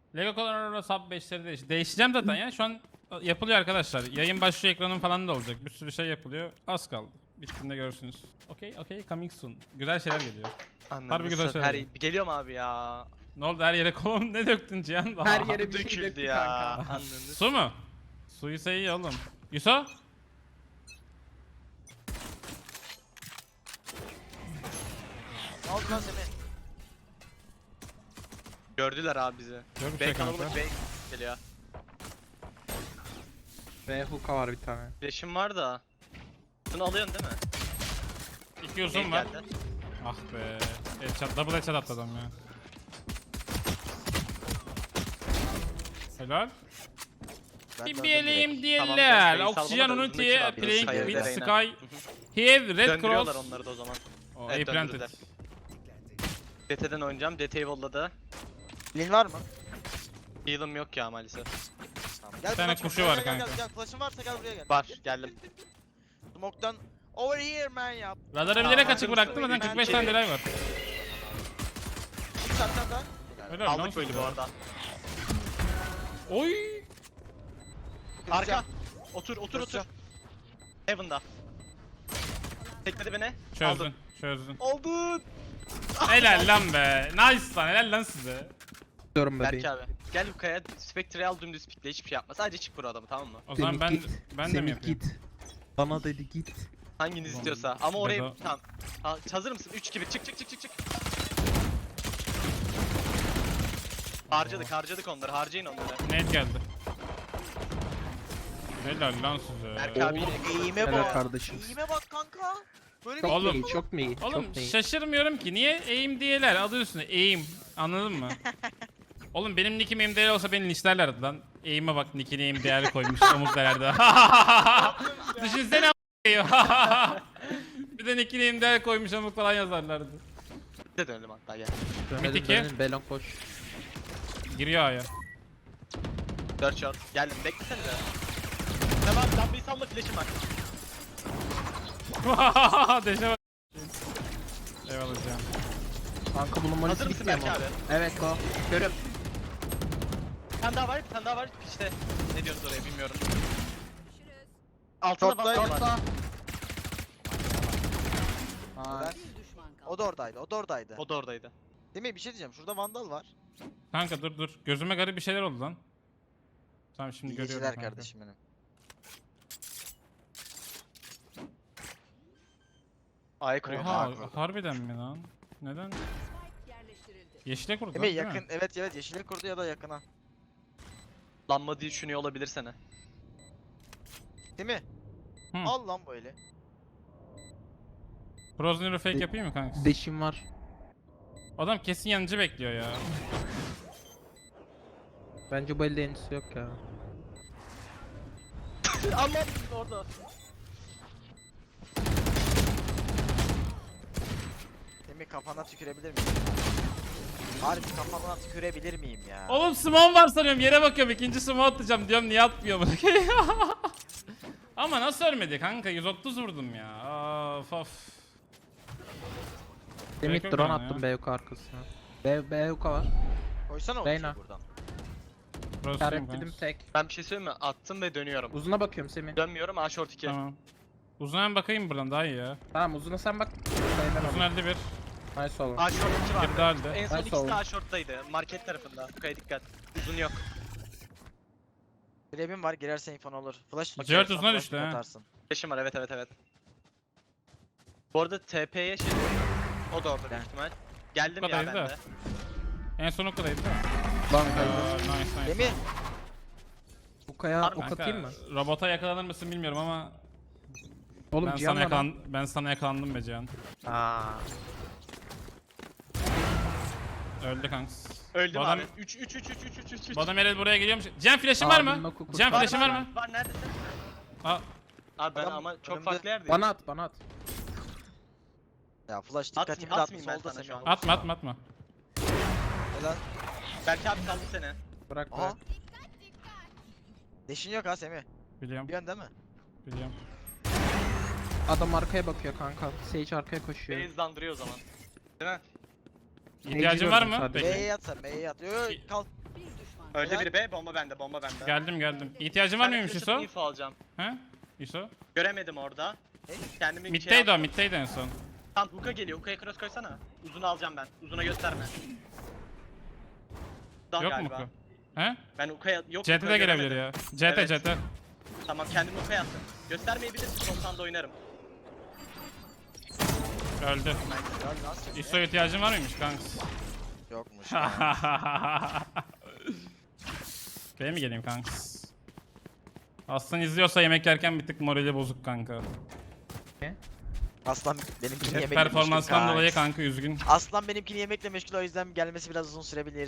Lego Colorado sub 5'leri değişeceğim zaten ya. Şu an yapılıyor arkadaşlar. Yayın başlıyor, ekranın falan da olacak. Bir sürü şey yapılıyor. Az kaldı. Bittiğinde görürsünüz. Okey, coming soon. Güzel şeyler geliyor. Harbi güzel şeyler. Geliyorum abi ya. Ne oldu, her yere kolon ne döktün Cihan? Her yere bir şey Döküldü döktü ya. kanka. Anladınız. Su mu? Suyu iyi oğlum. Yuso? Ne oldu lan Semih? Gördüler abi bizi. Görmüş B ya kanalı kanka. B geliyor. Ve hookah var bir tane. Flash'im var da. Bunu alıyorsun değil mi? İki uzun var. Geldi. Ah be. Headshot, double headshot attı adam ya. Helal. Ben döndüm BBL'im direkt. Tamam, diyeler. ben Oxygen salmadan Unity uzundaki var. playing Sky'e with Reyna. Sky. Here red Döndürüyorlar cross. onları da o zaman. Oh, Evet, A planted. döndürdüler. DT'den oynayacağım. DT'yi volladı. Lin var mı? Heal'ım yok ya maalesef. Tamam. Gel Bir tane flash'ım, kuşu gel, var gel, gel, kanka. Gel, flash'ın varsa gel buraya gel. Var geldim. Smoke'dan over here man yap. Radarı bilerek Aa, açık bıraktım zaten ben 45 şey- tane delay var. Bir saatten daha. Helal lan. Aldık böyle bu arada. Oy. Arka. Otur. Kıracağım. Heaven'da. Tekledi beni. Çözdün. Çözdün. Aldın. Helal lan be. Nice lan. Helal lan size. Diyorum Berk bebeğim. abi. Gel bu kaya Spectre'yi al dümdüz pikle hiçbir şey yapma. Sadece çık bu adamı tamam mı? O zaman Semih ben git. de mi Semih yapayım? git. Bana dedi git. Hanginiz Tamam. istiyorsa. Ama oraya Bedo. tamam. Ha, hazır mısın? 3 gibi çık. Harcadık onları. Harcayın onları. Net geldi. Helal lan size. Berk abi yine Eğime Helal bak. kardeşim. Eğime bak kanka. Böyle Çok değil. mu Oğlum. iyi, çok mu iyi? Oğlum Çok mu iyi? şaşırmıyorum ki. Niye aim diyeler? Adı üstünde aim. Anladın mı? Oğlum benim nickim aim değer olsa beni linçlerlerdi lan. Aim'e bak nickine aim değer koymuş omuz değerde. Düşünsene a**ayım. Bir de nickine aim değer koymuş omuz falan yazarlardı. de dönelim hatta gel. Dönelim, Mid iki. dönelim, Belon koş. Giriyor aya. 4 shot. Geldim beklesenize. Tamam dambayı salla flash'im var. Deşe bak. Eyvallah canım. Kanka bunun Hazır manisi mısın bitmiyor Berk mu? abi? Evet go. Görüyorum. Bir tane daha var. İşte ne diyoruz oraya bilmiyorum. Altında Short'ta- vandal var. Aa, O da oradaydı. O da oradaydı. Değil mi? Bir şey diyeceğim. Şurada vandal var. Kanka dur. Gözüme garip bir şeyler oldu lan. Tamam şimdi İyi görüyorum geceler kanka. kardeşim benim. A'ya kuruyor. Oha harbiden mi lan? Neden? Yeşile kurdu Değil mi? değil Yakın. Evet yeşile kurdu ya da yakına. Lanma diye düşünüyor olabilir seni. Değil mi? Hı. Al lan böyle. Frozen fake yapayım mı kanka? deşim var. Adam kesin yanıcı bekliyor ya. Bence bu elde enisi yok ya. Allah orada. Değil mi? Kafana tükürebilir miyim? Harbi kafana tükürebilir miyim ya? Oğlum smoke var sanıyorum, yere bakıyorum, ikinci smoke atacağım diyorum, niye atmıyor bunu? Ama nasıl ölmedi kanka, 130 vurdum ya. Of. Demit yok drone yani attım ya. BYK arkasına. BYK var. Koysana o Reyna. kutuyu buradan. Prosuyum İşaretledim kanka. tek. Ben bir şey söyleyeyim mi? Attım ve dönüyorum. Uzuna bakıyorum Semih. Dönmüyorum A short 2. Tamam. Uzuna bakayım buradan, daha iyi ya. Tamam uzuna sen bak. Sayıdan Uzun alayım. elde bir. Nice oğlum. A short 2 var. Bir daha elde. En son Nice ikisi de oldu. A short'taydı. Market tarafında. Kaya dikkat. Uzun yok. Grab'im var, girerse infon olur. Flash Cihat atıyorum, uzuna flash düştü ha. atarsın. Flash'im var evet. Bu arada TP'ye şey o da orada büyük ihtimal. Geldim Bu ya kadar ben da. de. En son okkadaydı değil mi? Lan Nice. Değil mi? Bu kaya Var mı? ok atayım mı? Robota yakalanır mısın bilmiyorum ama Oğlum ben Cihan sana, bana. ben sana yakalandım be Cihan. Aa. Öldü kanks. Öldüm Bu abi. adam- 3. Bu adam herhalde buraya geliyormuş. Cihan flash'in var Abinin mı? oku kurtar. Cihan flash'in var mı? Var neredesin? Aa, Abi ben Adam ama çok önümde. farklı yerdeyim. Bana at bana at. Ya flash dikkatimi dağıttı atmayayım ben solda sana Semih şu an. abi. atma. Helal. Belki abi saldı seni. Bırak Aha. bırak. Deşin yok ha Semih. Biliyorum. Biliyorsun değil mi? Biliyorum. Adam arkaya bakıyor kanka. Sage arkaya koşuyor. Beni hızlandırıyor o zaman. Değil mi? İhtiyacın var mı? gördüm sadece. Peki. B'ye yat sen, B'ye yat. Yo yo kal. Öldü Helal. biri be. Bomba bende. Bomba bende. Geldim. İhtiyacın var Ben de mıymış flash Yusuf? atıp info alacağım. He? Yusuf? Göremedim orada. Kendimi şey Middeydi o, yaptım. middeydi en son. Tam hook'a geliyor. Hook'a cross koysana. Uzunu alacağım ben. Uzuna gösterme. Daha Yok mu galiba. ku? He? Ben hook'a yok. CT hook'a de gelebilir göremedim. ya. Evet. CT. Tamam kendimi hook'a yattım. Göstermeyebilirsin. Sontan da oynarım. Öldü. Helal lan size. İso ihtiyacın var mıymış kanks? Yokmuş. ya. Benim mi geleyim kanks? Aslan izliyorsa yemek yerken bir tık morali bozuk kanka. Aslan benimkini Hep yemekle performanstan meşgul dolayı kanka. kanka üzgün. Aslan benimkini yemekle meşgul, o yüzden gelmesi biraz uzun sürebilir.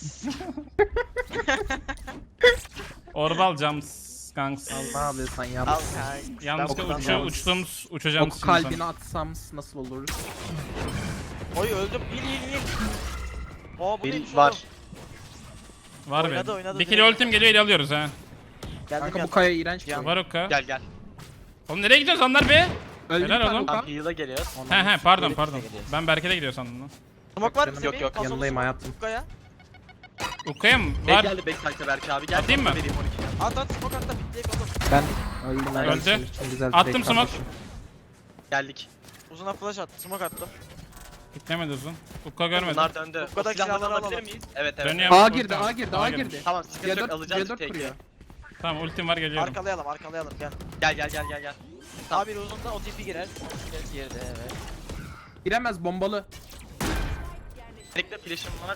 Orbal jumps kanks. Ne yapıyorsan yap. Al kanka. Yanlışlıkla Ben okudan uçtuğumuz uçacağım Ok kalbine atsam nasıl olur? Oy öldüm. Bil. Oo bu Bil neymiş var. oğlum? Var Oynadı, benim. oynadı Bir kilo direkt. ultim geliyor ele alıyoruz ha. Geldim Kanka bu yanına. kaya iğrenç bir Yan- şey. Var okka. Gel. Oğlum nereye gidiyoruz onlar be? Öldü Helal bir tane oğlum. Okan. Tam heal'a geliyoruz. He pardon Geri pardon. geliyoruz. Ben Berke'de gidiyor sandım lan. Smoke var mı? Yok, Semih? yok, Pasos yanındayım smoke. hayatım. Kaya. Ukka'ya mı? Bek Var. geldi backside'e Berke abi. Gel. Atayım mı? Vereyim 12'ye. At smoke at da bitleyek oğlum. Ben öldüm helal Öldü. olsun. Güzel Attım direkt smoke. kardeşim. Geldik. Uzuna flash attı. Smoke attım. Gitmemedi uzun. Ukka görmedim. Bunlar döndü. O Buradaki silahları silahları alabilir alalım. miyiz? Evet evet. Dönüyorum. A girdi, A girdi, A girmiş. girdi. Tamam sıkıntı yok C4, alacağız C4 take'i. kuruyor. Tamam ultim var geliyorum. Arkalayalım gel. Gel. Abi uzunda OTP girer. Girdi evet. Giremez bombalı. Bekle flash'ım var.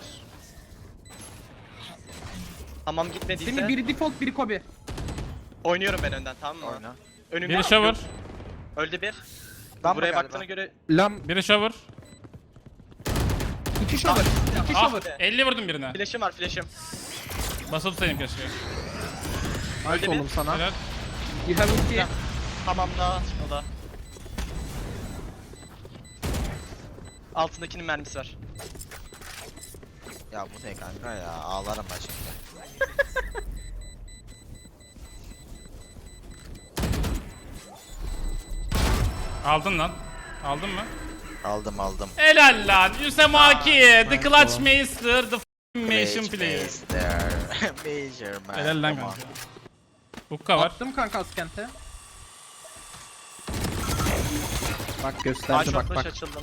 Tamam gitmediyse. Senin biri default, biri Kobe. Oynuyorum ben önden tamam mı? Oyna. Önümde. Biri shower. Öldü bir. Damla Buraya galiba. baktığına göre Lam Biri shower. 2 shower. 2 Ah shower. 50 vurdum birine. flash'ım var flash'ım. Basılı tutayım keşke. Nice bir. oğlum sana. Helal. You have ulti. Tamam da o da. Altındakinin mermisi var. Ya bu ne kanka ya, ağlarım ben şimdi. Aldın lan. Aldın mı? Aldım. Helal lan. Yusemaki. The nice Clutch oğlum. Master. The Mission Player. Major man. Helal lan Come on. kanka. Ukka var. Attım kanka askente. Bak A gösterdi short bak flash bak. açıldım.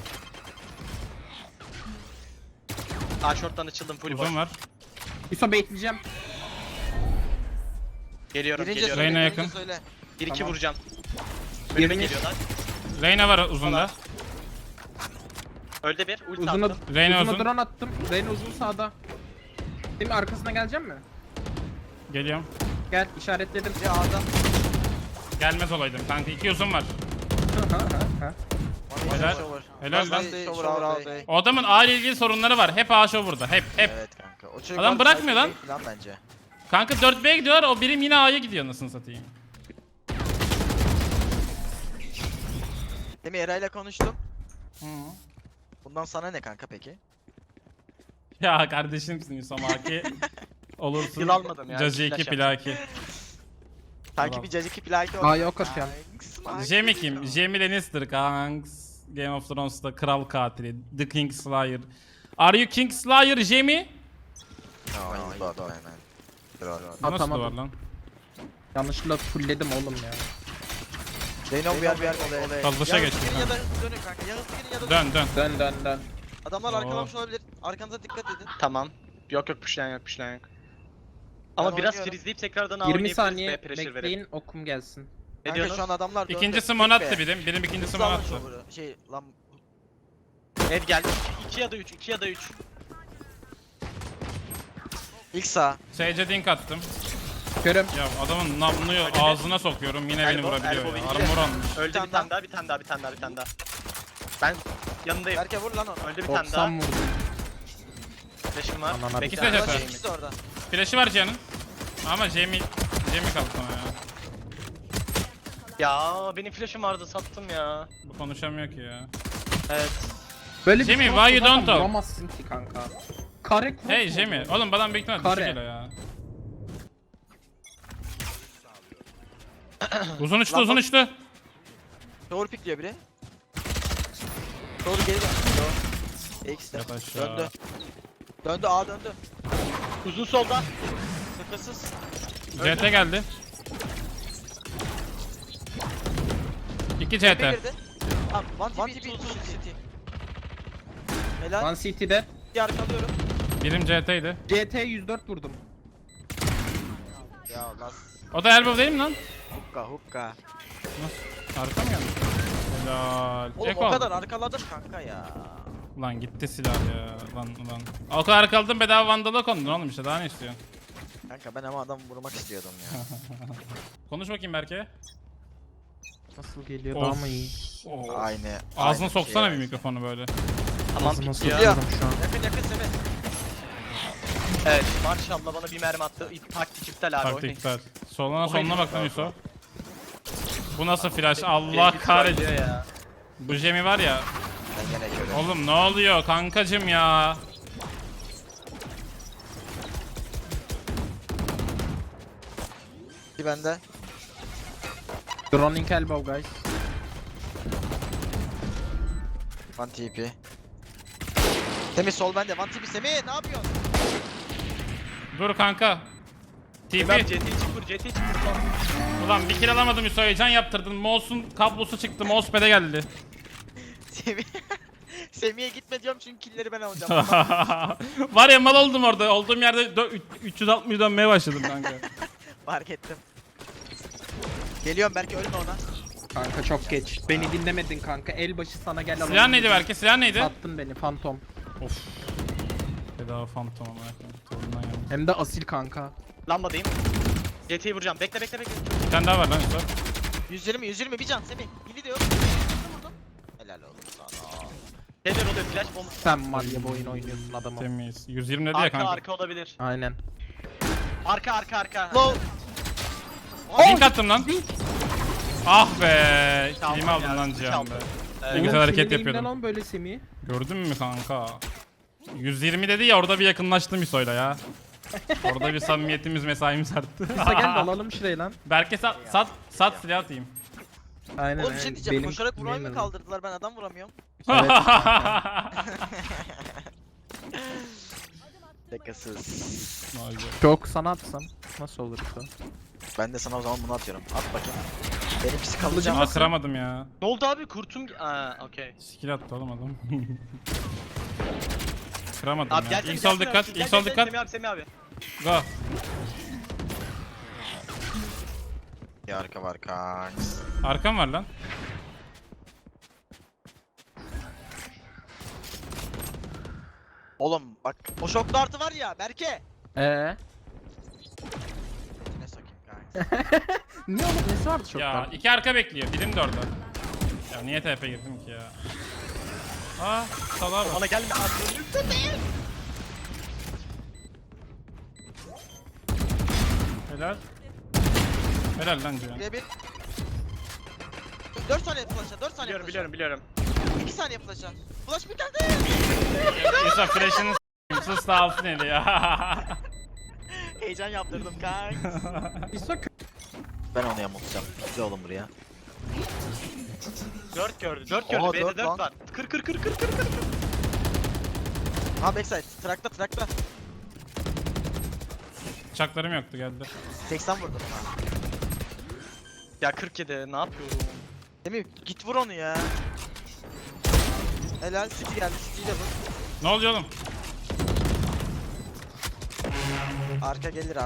A short'tan açıldım full boş. Uzun var. İso baitleyeceğim. Geliyorum. Reyna birinci yakın. söyle. 1-2 Tamam. vuracağım. Önüme Yirmi. geliyorlar. Reyna var uzunda. Öldü bir. Ulti Uzuna, attım. Reyna uzuna uzun. drone attım. Reyna uzun sağda. Şimdi arkasına geleceğim mi? Geliyorum. Gel işaretledim. Bir A'da. Gelmez olaydım kanka. 2 uzun var. Helal. Helal lan. Shower. O adamın A ile ilgili sorunları var. Hep A show burada. Hep. Evet kanka. O çocuk Adam var, bırakmıyor lan. Falan bence. Kanka 4B'ye gidiyorlar. O birim yine A'ya gidiyor nasıl satayım. Demin Eray'la konuştum. Hı. Bundan sana ne kanka peki? Ya kardeşimsin Yusamaki. Olursun. Yıl almadım ya, Cazi flash 2 plaki. Sanki Tamam. bir cacık plaki oldu. A'ya ok atıyorum. Jamie kim? Jamie Lannister kanks. Game of Thrones'ta kral katili. The King Slayer. Are you King Slayer Jamie? No, he's bot man. Bu nasıl Atamadım. duvar lan? Yanlışlıkla fullledim oğlum ya. Zeyno bir yer olay. Kalbuşa geçti Ya kanka. da dönün kanka. Ya hızlı girin ya da dönün. Dön. Dön. Adamlar Oo. arkalamış olabilir. Arkanıza dikkat edin. Tamam. Yok pushlayan yok. Ama Ben biraz oynuyorum. freezeleyip tekrardan A 20 oynayabiliriz. saniye B pressure verip. bekleyin okum gelsin. Ne Kanka diyorsun? şu an adamlar döndü. İkincisi Tek mon attı be. birim. Birim ikincisi Hızlı mon alın attı. şovuru. Şey lan. Ev geldi. 2 ya da 3. 2 ya da 3. İlk sağ. Sage dink attım. Körüm. Ya adamın namluyu ağzına sokuyorum yine beni Elbow, vurabiliyor elbow ya. ince. Armor almış. Öldü tane bir tane daha. Ben yanındayım. Berke vur lan onu. Öldü bir tane 90 daha. vurdu. Flash'ım var. Anana Bekle. İki Flash sefer. ikisi de orada. Flash'ı var Cihan'ın. Ama Jamie kaldı sana ya. Ya benim flash'ım vardı sattım ya. Bu konuşamıyor ki ya. Evet. Böyle bir Jamie, şey why you zaten don't talk? vuramazsın ki kanka. Kare cross Hey mu Jamie. oluyor? Oğlum bana büyük ihtimalle Kare. düşük geliyor ya. Uzun uçtu. Doğru pikliyor biri. Doğru geri dön. X'de. Yat aşağı. Döndü. Döndü A döndü. Uzun solda. arkasız. CT geldi. 2 Bir CT. girdi. Abi One TP City. Helal. One CT'de. Bir arkalıyorum. Birim CT'ydi. CT 104 vurdum. Ya las. O da elbow değil mi lan? Hukka. Nasıl? Arka mı geldi? Helal. Oğlum Eko o aldı. kadar arkaladım kanka ya. Lan gitti silah ya. Lan. O kadar arkaladım bedava vandala kondun oğlum işte daha ne istiyorsun? Kanka ben ama adam vurmak istiyordum ya. Konuş bakayım Berke. Nasıl geliyor Of. daha mı iyi? Aynı. Ağzına aynı soksana şey. bir mikrofonu böyle. Tamam Ağzıma bitiyor. sokuyorum şu an. Yakın Semih. Evet maşallah bana bir mermi attı. Taktik iptal abi. Taktik oynayın. iptal. Soluna Oynayın. soluna bak lan Yusuf. Bu nasıl flash? Allah Cengiz kahretsin. trollüyor ya. Bu Jemi var ya. Ben gene körüm. Oğlum ne oluyor kankacım ya? Bir bende. Droning elbow guys. One TP. Semih sol bende. One TP Semih ne yapıyorsun? Dur kanka. Ben TP. CT'yi çık vur, CT'yi çık vur. Ulan bir kill alamadım Yusuf. Heyecan yaptırdın. Mouse'un kablosu çıktı. Mousepad'e geldi. Semih. Semih'e gitme diyorum çünkü killleri ben alacağım. Var ya mal oldum orada. Olduğum yerde 360 dönmeye başladım kanka. Fark ettim. Geliyorum belki ölme ona. Kanka çok geç. Beni dinlemedin kanka. Elbaşı sana gel alalım. Silah neydi dedim. Berke? Silah neydi? Sattın beni Phantom. Of. Bedava phantom ama. Torundan yanmış. Hem de asil kanka. Lambadayım. CT'yi vuracağım. Bekle. Bir tane daha var lan Yusuf. 120 bir can Semih. Hili de yok. Vurdum. Helal olsun sana. Neler oluyor flash bomb. Sen var ya bu oyun oynuyorsun adamım. Temiz. 120 dedi ya Arka kanka. arka olabilir. Aynen. Arka. Low. Link attım lan. Ah be. Çaldım Kilimi aldın ya, lan Cihan çaldım. be. Evet. Ne güzel Oğlum, hareket senin yapıyordum. elimden al böyle Semih'i. Gördün mü kanka? 120 dedi ya orada bir yakınlaştım İso'yla ya. Orada bir samimiyetimiz mesaimiz arttı. Kısa gel de alalım şurayı lan. Berke sat silah atayım. Aynen. Oğlum bir şey diyeceğim. Benim Koşarak vurmayı mı neyim kaldırdılar? Ben adam vuramıyorum. Evet. Şakasız. Vay be. Çok sana atsam nasıl olur bu? Ben de sana o zaman bunu atıyorum. At bakayım. Benimkisi kalacak. Kılıcım Aa kıramadım ya. Ne oldu abi? Kurtum. Aa, okey. Skill attı oğlum adam. Kıramadım Abi ya. gelsene. İlk sol dikkat, ilk sol dikkat. Semih abi. Go. Bir arka var kanks. Arkam var lan. Oğlum bak o şok dartı var ya Berke. Ne sokayım kanks. Ne oğlum nesi vardı çok Ya iki arka bekliyor. Birim de orada. Ya niye TP girdim ki ya? Aa salağa bak. Bana gelme. Helal. Helal lan Cihan. Bir. 4 saniye flash'a 4 saniye Biliyorum. 2 saniye flash'a. Flash bir geldi. Yusuf flash'ını s**eyim, sus da alsın eli ya. Heyecan yaptırdım kanks. İsa Ben onu yamultacağım. Güzel oğlum buraya. 4 gördü. 4 Oha, gördü. B'de dört 4 lan. var. Kır. Ha backside. Track'ta. Bıçaklarım yoktu geldi. 80 vurdum ona. Ya 47 ne yapıyorum? Değil mi? Git vur onu ya. Helal City geldi. City'yi de vur. Ne oluyor oğlum? Arka gelir.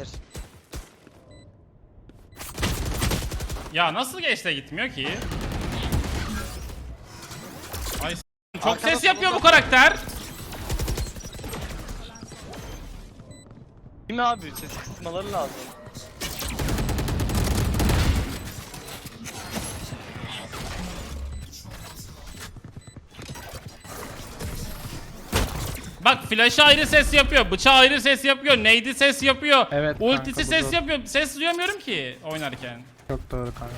Ya nasıl geçte gitmiyor ki? Ay çok Arkada ses yapıyor bu solunda. karakter. Değil mi abi? Ses kısmaları lazım. Bak flash'ı ayrı ses yapıyor, bıçağı ayrı ses yapıyor, nade'i ses yapıyor, Evet ultisi kanka, bu ses doğru. yapıyor. Ses duyamıyorum ki oynarken. çok doğru kanka.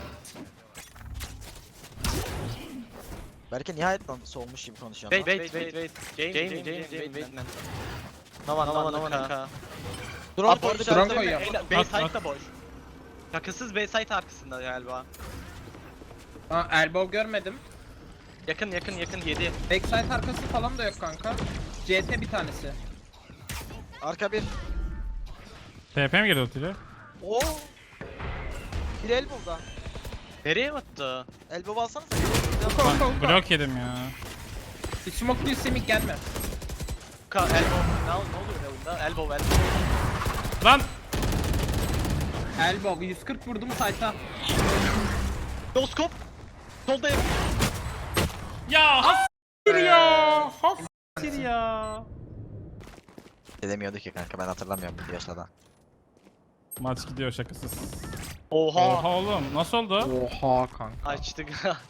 Berke nihayet lan solmuş gibi konuşuyorsun. Wait. Game. Nova. Dur Abi orada orada drone işaretleme. koyuyor. Bayside da boş. Şakasız Bayside arkasında galiba. Aa elbow görmedim. Yakın 7. Backside arkası falan da yok kanka. CT bir tanesi. Arka bir. TP mi girdi ultiyle? Oo. Bir elbow'da. Nereye attı? Elbow alsanıza. Lan blok yedim ya. Bir smoke değil Semih gelme. Elbow. Ne oluyor oyunda? Elbow. Lan! Elbow 140 vurdum site'a. Doskop. Soldayım. Ya hastir ya! Hastir ya! Edemiyordu ki kanka, ben hatırlamıyorum bu yaşlarda. Maç gidiyor şakasız. Oha. Oha oğlum nasıl oldu? Oha kanka. Açtık.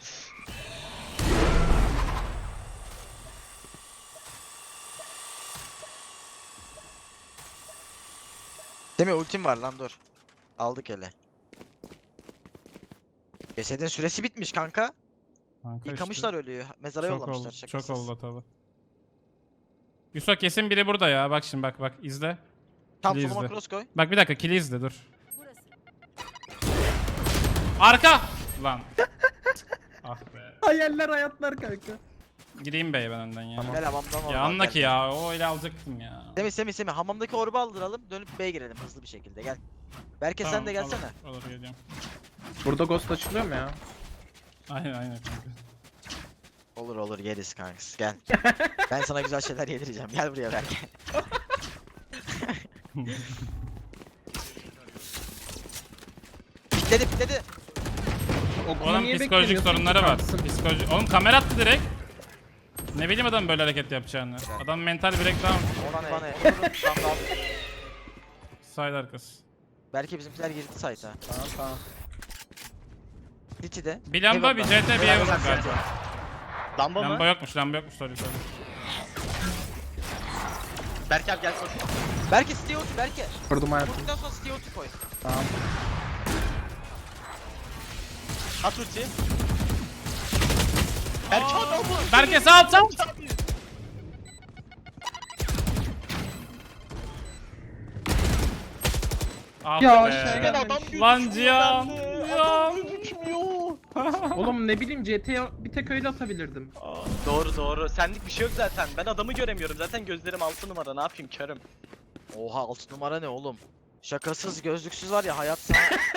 Değil mi, ultim var lan, dur. Aldık hele. Cesedin süresi bitmiş kanka. Kanka Yıkamışlar ölüyü. Mezara Çok yollamışlar oldu, şakasız. çok oldu tabi. Yusuf kesin biri burada ya. Bak şimdi bak izle. Tam Kili soluma izle. cross koy. Bak bir dakika kili izle dur. Arka! Lan. Ah be. Hayaller hayatlar kanka. Gideyim beye ben önden ya. Gel hamamdan Ya oradan anla gel. ki ya o öyle alacaktım ya. Semih hamamdaki orbu aldıralım, dönüp B'ye girelim hızlı bir şekilde, gel. Berke sen de gelsene. Olur geliyorum. Burada ghost açılıyor mu ya? Aynen kanka. Olur yeriz kanks, gel. Ben sana güzel şeyler yedireceğim, gel buraya Berke. Pikledi. Okulu Oğlum niye psikolojik beklemiyorsun sorunları ki var. kanksın? Oğlum kamera attı direkt. Ne bileyim adam böyle hareket yapacağını. Adam mental breakdown. Ona ne? Side arkası. Berke bizimkiler girdi site'a. Tamam. City'de. Bir lamba bir CT bir ev galiba. Lamba Lamba mı? yokmuş sorry. Berk abi gel koş. Berke City ulti, Berke. Vurdum hayatım. Vurduktan sonra City ulti koy. Tamam. At ulti. Berk abi bu. Berke sağ sağ. Ah Ya be. şey Ben gelmemiş. adam gözükmüyor Lan Cihan. bende. Cihan. Adam gözükmüyor. Oğlum ne bileyim CT'ye bir tek öyle atabilirdim. Doğru. Senlik bir şey yok zaten. Ben adamı göremiyorum. Zaten gözlerim 6 numara. Ne yapayım körüm. Oha 6 numara ne oğlum? Şakasız gözlüksüz var ya hayat sana.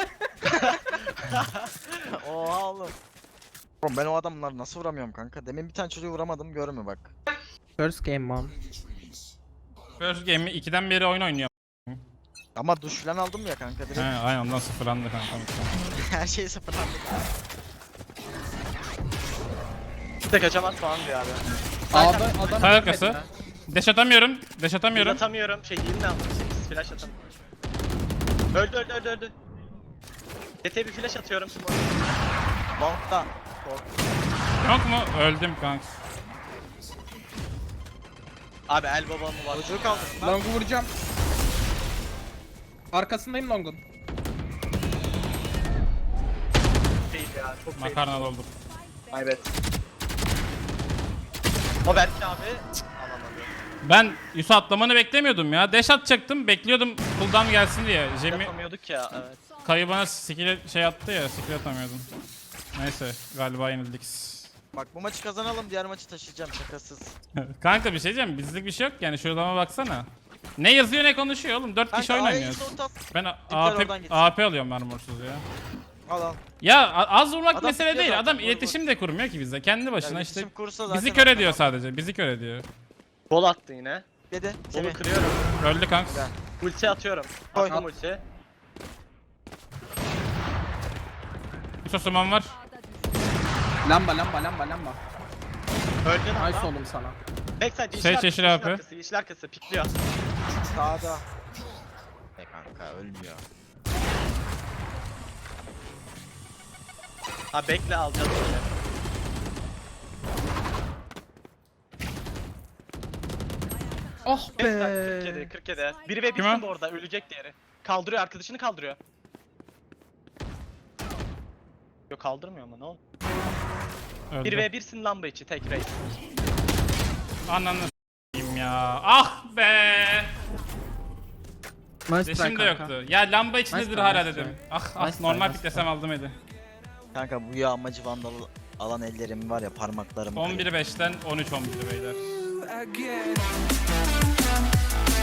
Oha oğlum. Oğlum ben o adamları nasıl vuramıyorum kanka? Demin bir tane çocuğu vuramadım, görme bak. First game man. First game'i 2'den beri oyun oynuyor. Ama duş falan aldım ya kanka He direkt. aynen ondan sıfırlandı kanka. Her şey sıfırlandı. İşte kaçamaz falan diyor abi. A'da adam Sağ arkası. Dash atamıyorum. Heal Atamıyorum. atamıyorum. Heal ne aldım? Flash atamıyorum. Öldü. TT bir flash atıyorum. Long'da. Yok mu? Öldüm kanka. Abi el babamı var. Çocuğu kaldı. Long'u vuracağım. Arkasındayım Long'un. Değil ya. Çok fake. Makarna doldum. Evet. O Berk abi. Alamadı. Ben Yusuf atlamanı beklemiyordum ya. Dash atacaktım. Bekliyordum cooldown gelsin diye. Jimmy Yapamıyorduk ya. Evet. kayı bana skill şey attı ya. Skill atamıyordum. Neyse galiba yenildik. Bak bu maçı kazanalım, diğer maçı taşıyacağım şakasız. Kanka bir şey diyeceğim. Bizlik bir şey yok yani. Şuradan baksana. Ne yazıyor ne konuşuyor oğlum. 4 kişi oyun A'ya oynuyoruz. git, orta at. Ben oradan AP, gitsin. AP alıyorum armorsuz ya. Al. Ya az vurmak Adam mesele tutuyor değil. zaten, Adam vur, iletişim de kurmuyor ki bizle. Kendi başına Ya işte iletişim kursa zaten bizi kör ediyor atamam. sadece. Bizi kör ediyor. Bol attı yine. Dedi. Bolu Semih. kırıyorum. Öldü kanka. Güzel. Ulti atıyorum. Koy. Attım ulti. Yusuf suman var. Lamba. Öldün Nice adam. oğlum sana. Backside Şey, yeşil yeşil AP. arkası. Yeşil arkası. Pikliyor. Sağda. Ne kanka, ölmüyor. Ha bekle alacağız böyle. Oh Backside be. 47. Biri ve Kim o? birsin bu arada. Ölecek diğeri. Kaldırıyor. Arkadaşını kaldırıyor. Yok kaldırmıyor ama ne oldu? Öldü. 1 ve 1'sin lamba içi tek race. Ananı s**eyim ya. Ah be. Nice try Resim de kanka. yoktu. Ya lamba içindedir Nice hala try, nice dedim. try. Ah Nice try, normal nice piklesem aldım eli. Kanka bu yağmacı vandal alan ellerim var ya, parmaklarım. 11'i 5'ten 13-11'i beyler. again.